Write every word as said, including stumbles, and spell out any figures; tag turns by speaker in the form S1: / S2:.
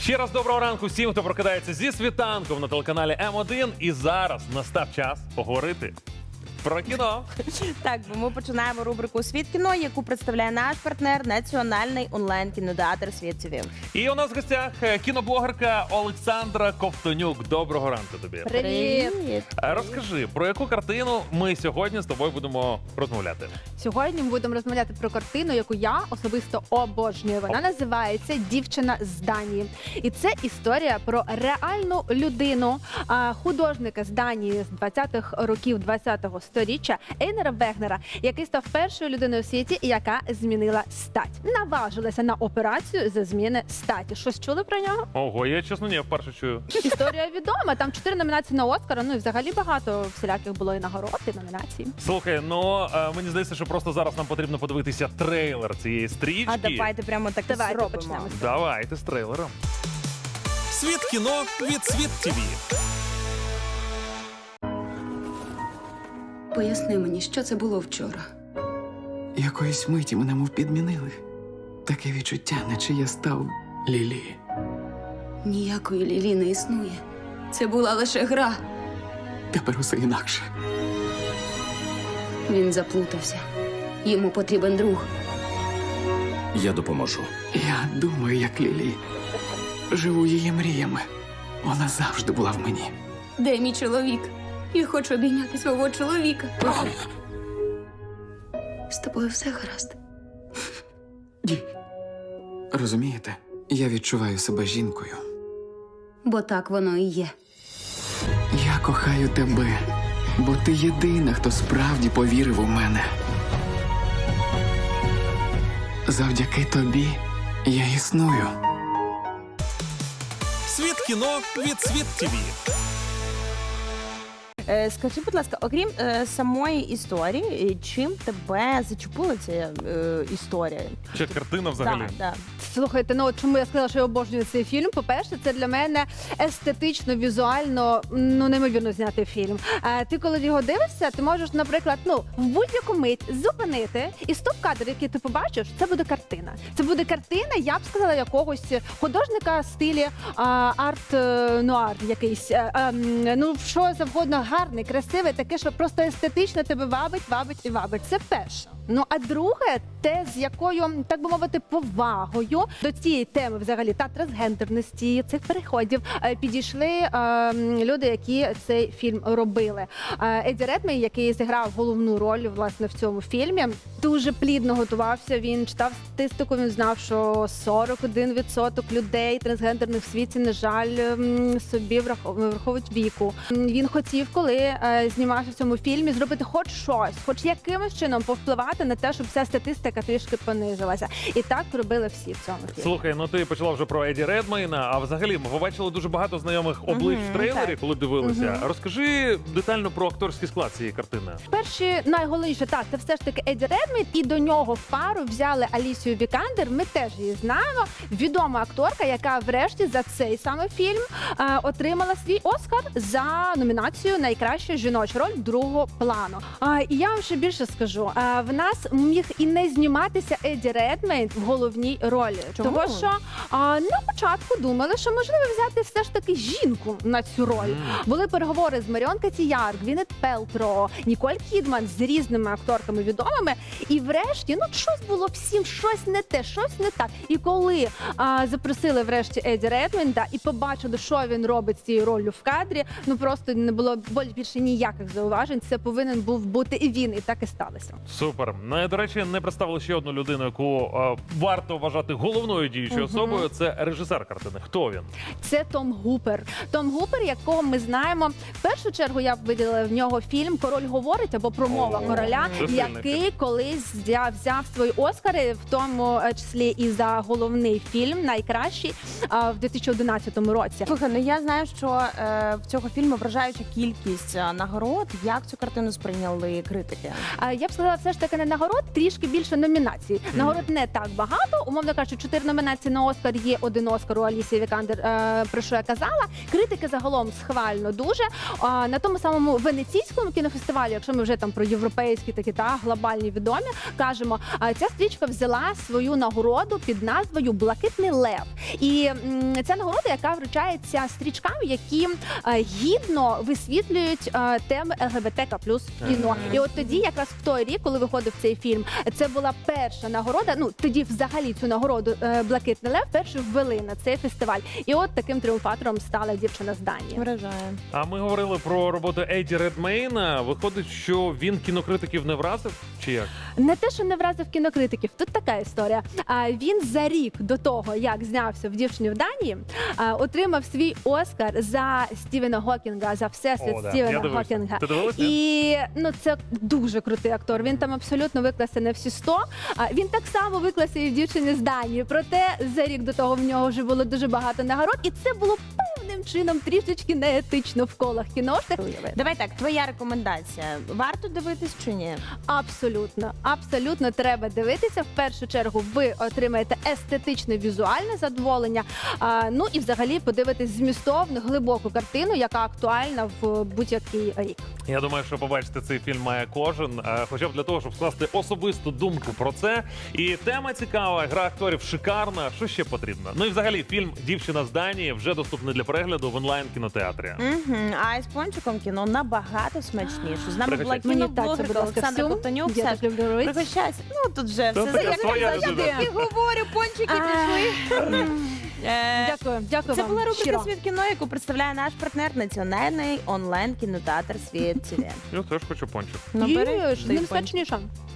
S1: Ще раз доброго ранку всім, хто прокидається зі світанком на телеканалі М один. І зараз настав час поговорити про кіно.
S2: Так, бо ми починаємо рубрику «Світ кіно», яку представляє наш партнер Національний онлайн-кінотеатр «Світ ТВ».
S1: І у нас в гостях кіноблогерка Олександра Ковтонюк. Доброго ранку тобі.
S2: Привіт!
S1: Розкажи, про яку картину ми сьогодні з тобою будемо розмовляти?
S3: Сьогодні ми будемо розмовляти про картину, яку я особисто обожнюю. Вона називається «Дівчина з Данії». І це історія про реальну людину, художника з Данії з двадцятих років двадцятого сторіччя Ейнера Вегнера, який став першою людиною у світі, яка змінила стать. Наважилася на операцію за зміни статі. Щось чули про нього?
S1: Ого, я чесно не вперше чую.
S3: Історія відома. Там чотири номінації на Оскара, ну і взагалі багато всіляких було і нагород, і номінацій.
S1: Слухай, ну е, мені здається, що просто зараз нам потрібно подивитися трейлер цієї стрічки.
S2: А давайте прямо так
S3: Давайте
S2: зробимо.
S3: почнемо.
S1: Давайте з трейлером.
S4: Світ кіно від Світ ТВ.
S5: Поясни мені, що це було вчора.
S6: Якоїсь миті мене мов підмінили. Таке відчуття, наче я став Лілі.
S5: Ніякої Лілі не існує. Це була лише гра.
S6: Тепер усе інакше.
S5: Він заплутався. Йому потрібен друг.
S4: Я допоможу.
S6: Я думаю, як Лілі. Живу її мріями. Вона завжди була в мені.
S5: Де мій чоловік? Я хочу обійняти свого чоловіка. З тобою все гаразд.
S6: Ні. Розумієте, я відчуваю себе жінкою.
S5: Бо так воно і є.
S6: Я кохаю тебе, бо ти єдина, хто справді повірив у мене. Завдяки тобі я існую.
S4: Світ кіно від Світ ТВ.
S2: Е, Скажи, будь ласка, окрім е, самої історії, е, чим тебе зачепила ця е, історія?
S1: Чи картина взагалі?
S2: Так, так.
S3: Слухайте, ну от чому я сказала, що я обожнюю цей фільм? По-перше, це для мене естетично, візуально, ну неймовірно зняти фільм. А ти, коли його дивишся, ти можеш, наприклад, ну в будь-яку мить зупинити і стоп-кадр, який ти побачиш, це буде картина. Це буде картина, я б сказала, якогось художника в стилі арт-нуар якийсь. А, а, ну що завгодно, гарний, красивий, таке, що просто естетично тебе вабить, вабить і вабить. Це перше. Ну а друге, те, з якою, так би мовити, повагою до цієї теми взагалі та трансгендерності, цих переходів е, підійшли е, люди, які цей фільм робили. Е, Еді Редмейн, який зіграв головну роль власне в цьому фільмі, дуже плідно готувався. Він читав статистику, він знав, що сорок один відсоток людей трансгендерних в світі, на жаль, м, собі враховують віку. Він хотів, коли е, знімався в цьому фільмі, зробити хоч щось, хоч якимось чином повпливати на те, щоб ця статистика трішки понизилася. І так робили всі в цьому фільмі.
S1: Слухай, ну ти почала вже про Еді Редмейна, а взагалі ми побачили дуже багато знайомих облич
S2: Мгм,
S1: в трейлері,
S2: так.
S1: коли дивилися. Розкажи детально про акторський склад цієї картини.
S3: Перші, найголовніше, так, це все ж таки Еді Редмейн, і до нього в пару взяли Алісію Вікандер, ми теж її знаємо, відома акторка, яка врешті за цей саме фільм е, отримала свій Оскар за номінацію «Найкраща жіноча роль другого плану». А, і я вам ще більше скажу, а, в нас міг і не зніматися Еді Редмейн в головній ролі.
S2: Чому?
S3: Тому що а, на початку думали, що можливо взяти все ж таки жінку на цю роль.
S1: Mm.
S3: Були переговори з Маріон Котіяр, Гвінет Пелтро, Ніколь Кідман з різними акторками відомими. І врешті, ну щось було всім, щось не те, щось не так. І коли а, запросили врешті Еді Редмейна і побачили, що він робить з цією роллю в кадрі, ну просто не було більше ніяких зауважень. Це повинен був бути і він, і так і сталося.
S1: Супер. Ну, і, до речі, не представили ще одну людину, яку е, варто вважати головною діючою
S2: Мгм.
S1: особою. Це режисер картини. Хто він?
S3: Це Том Гупер. Том Гупер, якого ми знаємо. В першу чергу я б виділила в нього фільм «Король говорить» або «Промова
S1: О,
S3: короля»,
S1: це сильний
S3: який
S1: фільм.
S3: колись взяв, взяв свої Оскари, в тому числі і за головний фільм, найкращий, а, в дві тисячі одинадцятому році.
S2: Слухай, ну я знаю, що е, в цього фільму вражаюча кількість е, нагород. Як цю картину сприйняли критики?
S3: А, Я б сказала, все ж таки мене нагород трішки більше номінацій. Нагород не так багато. Умовно кажучи, чотири номінації на Оскар є, один Оскар у Алісії Вікандер, е, про що я казала. Критики загалом схвально дуже. А, на тому самому венеційському кінофестивалі, якщо ми вже там про європейські такі та глобальні відомі, кажемо, а, ця стрічка взяла свою нагороду під назвою Блакитний лев. І м, ця нагорода, яка вручається стрічкам, які е, гідно висвітлюють е, теми ел ге бе те ка плюс в кіно. І от тоді, якраз в той рік, коли виходив цей фільм, це була перша нагорода. Ну тоді взагалі цю нагороду е, Блакитний лев першу ввели на цей фестиваль. І от таким тріумфатором стала дівчина з Данії.
S2: Вражає.
S1: А ми говорили про роботу Еді Редмейна. Виходить, що він кінокритиків не вразив? Чи як?
S3: Не те, що не вразив кінокритиків. Тут така історія. А він за рік до того, як знявся в «Дівчині в Данії», а, отримав свій Оскар за Стівена Гокінга, за всесвіт
S1: О, да. Я
S3: Стівена
S1: дивився.
S3: Гокінга.
S1: Ти дивилася?
S3: І ну це дуже крутий актор. Він там абсолютно виклався на всі сто. А він так само виклався і в «Дівчині з Данії». Проте за рік до того в нього вже було дуже багато нагород, і це було певним чином трішечки неетично в колах кіношних.
S2: Давай так, твоя рекомендація. Варто дивитись чи ні?
S3: Абсолютно, абсолютно треба дивитися. В першу чергу ви отримаєте естетичне візуальне задоволення. А, ну і взагалі подивитись змістовну, глибоку картину, яка актуальна в будь-який рік.
S1: Я думаю, що побачити цей фільм має кожен, е, хоча б для того, щоб скласти особисту думку про це. І тема цікава, гра акторів шикарна. Що ще потрібно? Ну і взагалі фільм «Дівчина з Данії» вже доступний для перегляду в онлайн-кінотеатрі.
S2: Угу. А із пончиком кіно набагато смачніше. З нами була
S1: Пригощайся.
S3: Мені так це, будь
S2: кіноблогерка
S3: ласка,
S2: Олександра
S3: всю.
S2: Ковтонюк.
S3: Я
S2: Саш,
S3: так люблю робити.
S2: пригощайся. Ну тут вже
S1: Це
S2: все
S1: така
S2: як
S1: своя
S2: я
S1: людина.
S2: завжди говорю, пончики пішли. Е,
S3: Дякую, дякую
S2: Це
S3: вам.
S2: була рубрика
S3: щиро.
S2: «Світ кіно», яку представляє наш партнер національний онлайн-кінотеатр «Світ ТВ».
S1: Я теж хочу пончик.
S2: Ну,
S3: Їж,
S2: бери
S3: з
S2: той
S3: ним
S2: пончик.
S3: смачніше.